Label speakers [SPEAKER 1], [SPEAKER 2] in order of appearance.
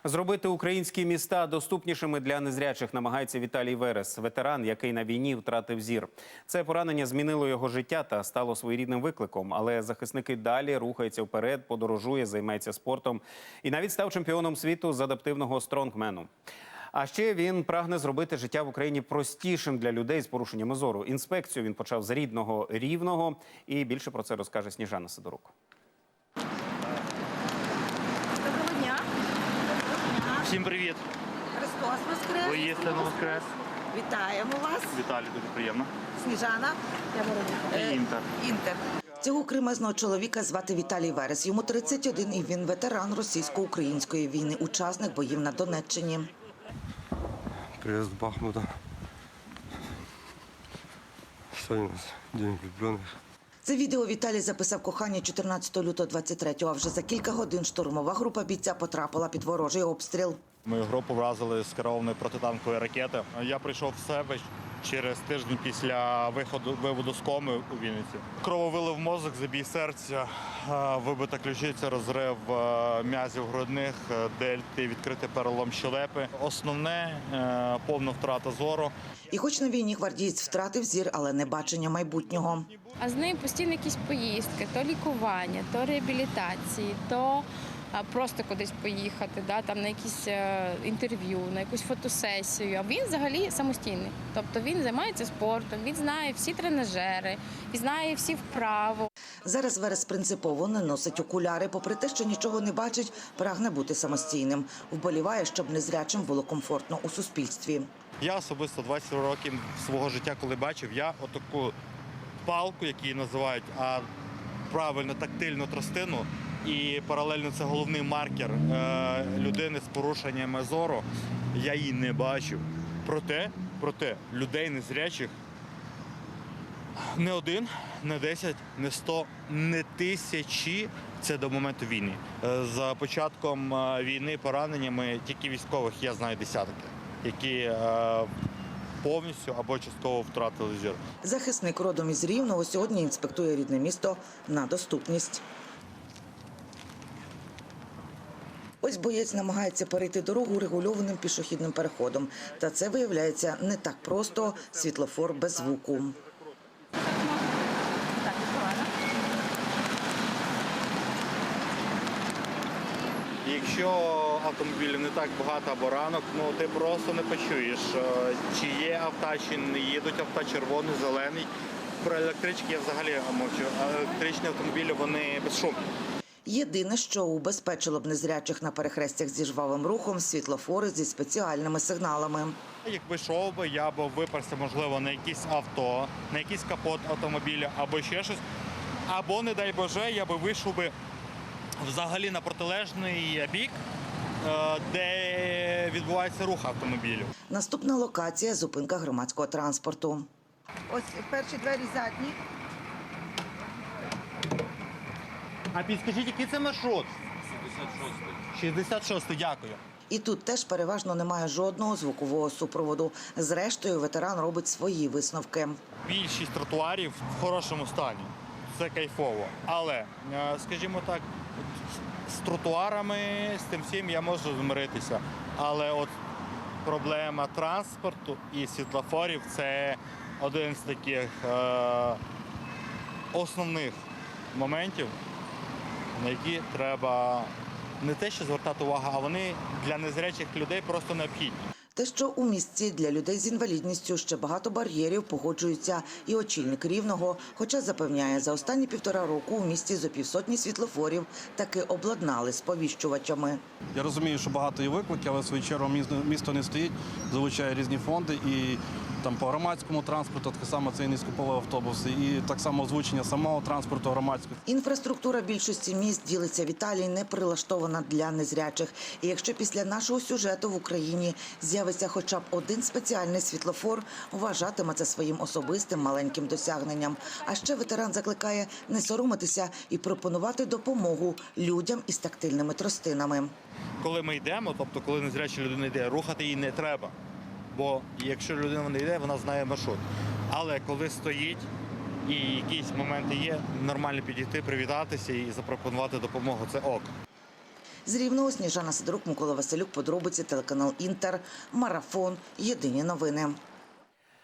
[SPEAKER 1] Зробити українські міста доступнішими для незрячих намагається Віталій Верес, ветеран, який на війні втратив зір. Це поранення змінило його життя та стало своєрідним викликом. Але захисники далі рухаються вперед, подорожує, займається спортом і навіть став чемпіоном світу з адаптивного стронгмену. А ще він прагне зробити життя в Україні простішим для людей з порушеннями зору. Інспекцію він почав з рідного Рівного. І більше про це розкаже Сніжана Сидорук.
[SPEAKER 2] Доброго дня.
[SPEAKER 3] Всім привіт!
[SPEAKER 2] Христос Воскрес.
[SPEAKER 3] Воістину воскрес.
[SPEAKER 2] Вітаємо вас.
[SPEAKER 3] Віталій, дуже приємно.
[SPEAKER 2] Сніжана.
[SPEAKER 3] І Інтер.
[SPEAKER 2] Інтер.
[SPEAKER 4] Цього кремезного чоловіка звати Віталій Верес. Йому 31 і він ветеран російсько-української війни, учасник боїв на Донеччині.
[SPEAKER 5] Приезд Бахмута. Сегодня у нас День влюбленных.
[SPEAKER 4] Це відео Віталій записав кохання 14 лютого 23-го, а вже за кілька годин штурмова група бійця потрапила під ворожий обстріл.
[SPEAKER 3] Мою групу вразили з керованої протитанкової ракети. Я прийшов в себе через тиждень після виводу з коми у Вінниці. Крововилив мозок, забій серця, вибита ключиця, розрив м'язів грудних, дельти, відкритий перелом щелепи. Основне – повна втрата зору.
[SPEAKER 4] І хоч на війні гвардієць втратив зір, але не бачення майбутнього.
[SPEAKER 6] А з ним постійно якісь поїздки, то лікування, то реабілітації, то просто кудись поїхати, там на якісь інтерв'ю, на якусь фотосесію. А він взагалі самостійний. Тобто він займається спортом, він знає всі тренажери, він знає всі вправи.
[SPEAKER 4] Зараз Верес принципово не носить окуляри. Попри те, що нічого не бачить, прагне бути самостійним. Вболіває, щоб незрячим було комфортно у суспільстві.
[SPEAKER 3] Я особисто 20 років свого життя, коли бачив, я отаку палку, яку її називають, а правильно тактильну тростину, і паралельно це головний маркер людини з порушеннями зору, я її не бачив. Проте людей незрячих не один, не 10, не 100, не тисячі – це до моменту війни. За початком війни пораненнями тільки військових я знаю десятки, які повністю або частково втратили зір.
[SPEAKER 4] Захисник родом із Рівного сьогодні інспектує рідне місто на доступність. Ось боєць намагається перейти дорогу регульованим пішохідним переходом. Та це виявляється не так просто – світлофор без звуку.
[SPEAKER 3] Якщо автомобілів не так багато або ранок, ти просто не почуєш, чи є авто, чи не їдуть авто, червоний, зелений. Про електрички я взагалі мовчу. Електричні автомобілі, вони безшумні.
[SPEAKER 4] Єдине, що убезпечило б незрячих на перехрестях зі жвавим рухом – світлофори зі спеціальними сигналами.
[SPEAKER 3] Якби йшов би, я б виперся, можливо, на якесь авто, на якийсь капот автомобіля або ще щось. Або, не дай Боже, я би вийшов би взагалі на протилежний бік, де відбувається рух автомобілів.
[SPEAKER 4] Наступна локація – зупинка громадського транспорту.
[SPEAKER 2] Ось перші двері задні.
[SPEAKER 3] А підскажіть, який це маршрут? 66-й, дякую.
[SPEAKER 4] І тут теж переважно немає жодного звукового супроводу. Зрештою, ветеран робить свої висновки.
[SPEAKER 3] Більшість тротуарів в хорошому стані. Це кайфово. Але, скажімо так, з тротуарами, з тим всім я можу змиритися. Але от проблема транспорту і світлофорів – це один з таких основних моментів, на які треба не те, що звертати увагу, а вони для незрячих людей просто необхідні.
[SPEAKER 4] Те, що у місті для людей з інвалідністю ще багато бар'єрів, погоджується і очільник Рівного. Хоча запевняє, за останні 1,5 року у місті зо півсотні світлофорів таки обладнали сповіщувачами.
[SPEAKER 7] Я розумію, що багато є викликів, але в свою чергу місто не стоїть, залучає різні фонди і там по громадському транспорту, так само це і низькополові автобуси, і так само озвучення самого транспорту громадського.
[SPEAKER 4] Інфраструктура більшості міст, ділиться Віталій, не прилаштована для незрячих. І якщо після нашого сюжету в Україні з'явиться хоча б один спеціальний світлофор, вважатиме це своїм особистим маленьким досягненням. А ще ветеран закликає не соромитися і пропонувати допомогу людям із тактильними тростинами.
[SPEAKER 3] Коли ми йдемо, тобто коли незряча людина йде, рухати її не треба. Бо якщо людина не йде, вона знає маршрут. Але коли стоїть і якісь моменти є, нормально підійти, привітатися і запропонувати допомогу – це ок.
[SPEAKER 4] З Рівного Сніжана Сидорук, Микола Василюк, подробиці, телеканал Інтер, Марафон, Єдині новини.